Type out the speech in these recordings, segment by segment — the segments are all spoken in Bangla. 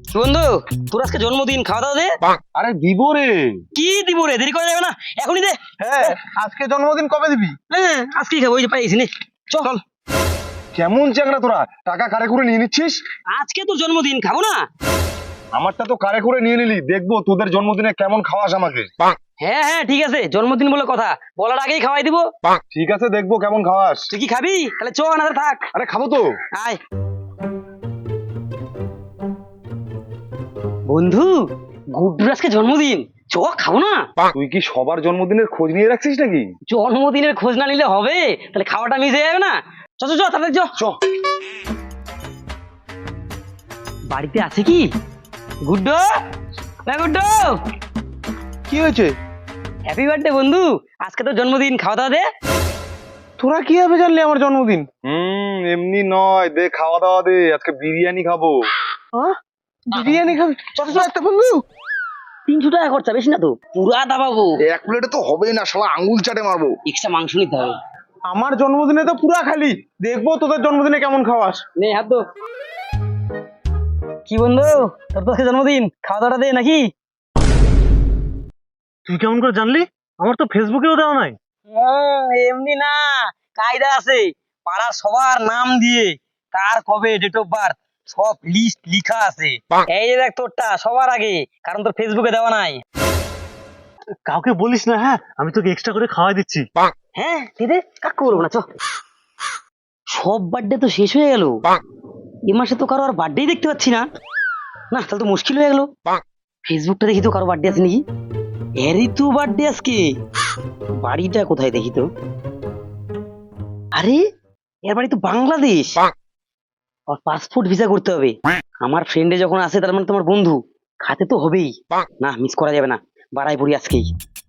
বন্ধু, তোর আজকে জন্মদিন, খাওয়া দাওয়া দে। আরে দিব রে। কি দিব রে, দেরি করা যাবে না, এখনই দে। হ্যাঁ, আজকে জন্মদিন কবে দিবি? হ্যাঁ, আজকেই খাবো, ওই যে পাইছি নে। চল। কেমন চ্যাংড়া তোরা, টাকা কারে করে নিয়ে নিচ্ছিস? আজকে তোর জন্মদিন, খাবো না? আমারটা তো কারে করে নিয়ে নিলি, দেখবো তোদের জন্মদিনে কেমন খাওয়াস আমাকে। হ্যাঁ হ্যাঁ ঠিক আছে, জন্মদিন বলে কথা, বলার আগেই খাওয়াই দিব। ঠিক আছে, দেখবো কেমন খাওয়াস। তুই কি খাবি? তাহলে চ না, থাক। আরে খাবো তো। আয় বন্ধু, গুড্ডুর আজকে জন্মদিন, চ খাবো না? তুই কি সবার জন্মদিনের খোঁজ নিয়ে রাখছিস নাকি? জন্মদিনের খোঁজ না নিলে হবে? তাহলে খাওয়াটা মিস হয়ে যাবে না। চ চ চ, তাড়াতাড়ি চ। চ। বাড়িতে আছে কি গুড্ডু? না গুড্ডু, কি হয়েছে? হ্যাপি বার্থডে বন্ধু, আজকে তো জন্মদিন, খাওয়া দাওয়া দে। তোরা কিভাবে জানলি আমার জন্মদিন? এমনি নয়, দে খাওয়া দাওয়া দে, আজকে বিরিয়ানি খাবো। বিরিয়ানি খাবি? চল চল একটা বন্ধু। 300 টাকা খরচা, বেশি না তো, পুরা দাবাবো। এক প্লেটে তো হবেই না, শালা আঙ্গুল চাটে মারবো। এক্সট্রা মাংস নিতে হবে। আমার জন্মদিনে তো পুরা খালি, দেখবো তোদের জন্মদিনে কেমন খাওয়াস। নে হাত দো। কি বন্ধু, তোর তো আজকে জন্মদিন, খাওয়া দাওয়াটা দে নাকি? তুই কেমন করে জানলি? আমার তো ফেসবুকেও দেওয়া নাই। এমনি না, কায়দা আছে। পাড়ার সবার নাম দিয়ে কার কবে ডেট অফ বার্থ সব লিস্ট লিখা আছে। এই যে দেখ তোরটা সবার আগে, কারণ তোর ফেসবুকে দেওয়া নাই। কাউকে বলিস না, হ্যাঁ? আমি তোকে এক্সট্রা করে খাওয়াই দিচ্ছি। হ্যাঁ দিদি, কাকু বলবো না, চ। সব বার্থডে তো শেষ হয়ে গেল, এ মাসে তো কারো আর বার্থডেই দেখতে পাচ্ছি না। না, তাহলে তো মুশকিল হয়ে গেল। ফেসবুকটা দেখি তো কারো বার্থডে আছে নাকি। এরই তো বার্থডে আজকে। বাড়িটা কোথায় দেখি তো। আরে, এর বাড়ি তো বাংলাদেশ। আর পাসপোর্ট ভিসা করতে হবে। আমার ফ্রেন্ডে যখন আসে, তার মানে তোমার বন্ধু, খাতে তো হবেই। না, মিস করা যাবে না, বাড়াই পড়ি আজকেই।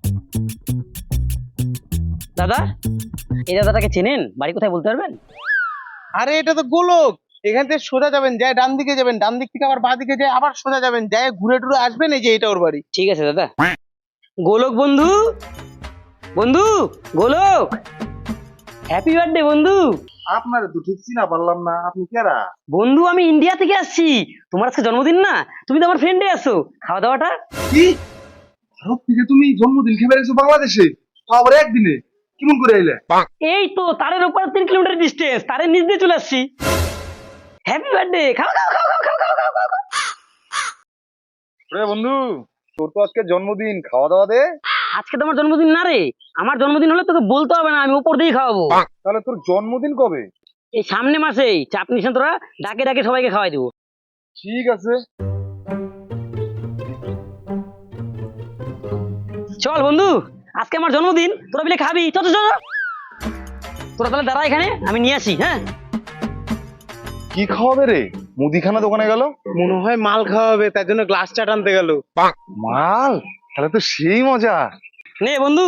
দাদা, এই দাদাটাকে চেনেন? বাড়ি কোথায় বলতে পারবেন? আরে এটা তো গোলক, এখান থেকে সোজা যাবেন, যায় ডান দিকে যাবেন, ডান দিক থেকে আবার বাঁ দিকে যায় আবার সোজা যাবেন, যায় ঘুরে টুরে আসবেন, এই যে এটা ওর বাড়ি। ঠিক আছে দাদা। গোলক বন্ধু, বন্ধু গোলক, হ্যাপি বার্থডে বন্ধু। আপনার তো ঠিক চিনা পারলাম না, আপনি কেরা? বন্ধু, আমি ইন্ডিয়া থেকে আসছি, তোমার আজকে জন্মদিন না, তুমি তো আমার ফ্রেন্ডে আছো, খাওয়া দাওয়াটা। কি ভারত থেকে তুমি জন্মদিন খেয়ে বেড়েছো বাংলাদেশে, তো আবার একদিনে কেমন করে এলে? এই তো তারের উপর 3 কিলোমিটার ডিস্টেন্স, তারের নিচ দিয়ে চলে আসছি। হ্যাপি বার্থডে, খাও খাও খাও খাও খাও খাও খাও খাও। রে বন্ধু, তোর তো আজকে জন্মদিন, খাওয়া দাওয়া দে। আজকে তো আমার জন্মদিন না রে, আমার জন্মদিন হলে তোকে বলতে হবে না, আমি উপর দিয়ে খাওয়াবো। তাহলে তোর জন্মদিন কবে? এই সামনে মাসেই, চাপ নিস না তোরা, ডাকে ডাকে সবাইকে খাওয়াই দেবো। ঠিক আছে। চল বন্ধু, আজকে আমার জন্মদিন, তোরা মিলে খাবি, চল চল চল। তোরা তাহলে দাঁড়া এখানে, আমি নিয়ে আসি। হ্যাঁ, কি খাওয়াবে রে? মুদিখানা দোকানে গেল, মনে হয় মাল খাওয়াবে, তার জন্য গ্লাসটা টানতে গেল। মাল, তাহলে তো সেই মজা। নে বন্ধু,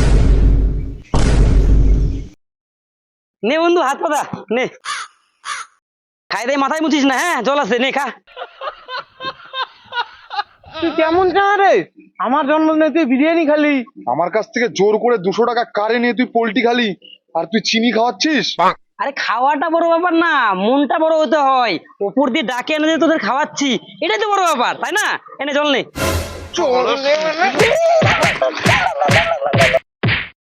নে বন্ধু, হাত পাতা নে। খাই দেয় মাথায় মুছিস না, হ্যাঁ, জল আছে, নে খা। তুই কেমন চা রে, আমার জন্মদিনে তুই বিরিয়ানি খালি। আমার কাছ থেকে জোর করে 200 টাকা কারে নিয়ে তুই পোল্টি খালি, আর তুই চিনি খাওয়াচ্ছিস? আরে খাওয়াটা বড় ব্যাপার না, মনটা বড় হতে হয়। ওপর দিয়ে ডাকে এনে দিয়ে তোদের খাওয়াচ্ছি, এটাই তো বড় ব্যাপার, তাই না? এনে জল নে। চল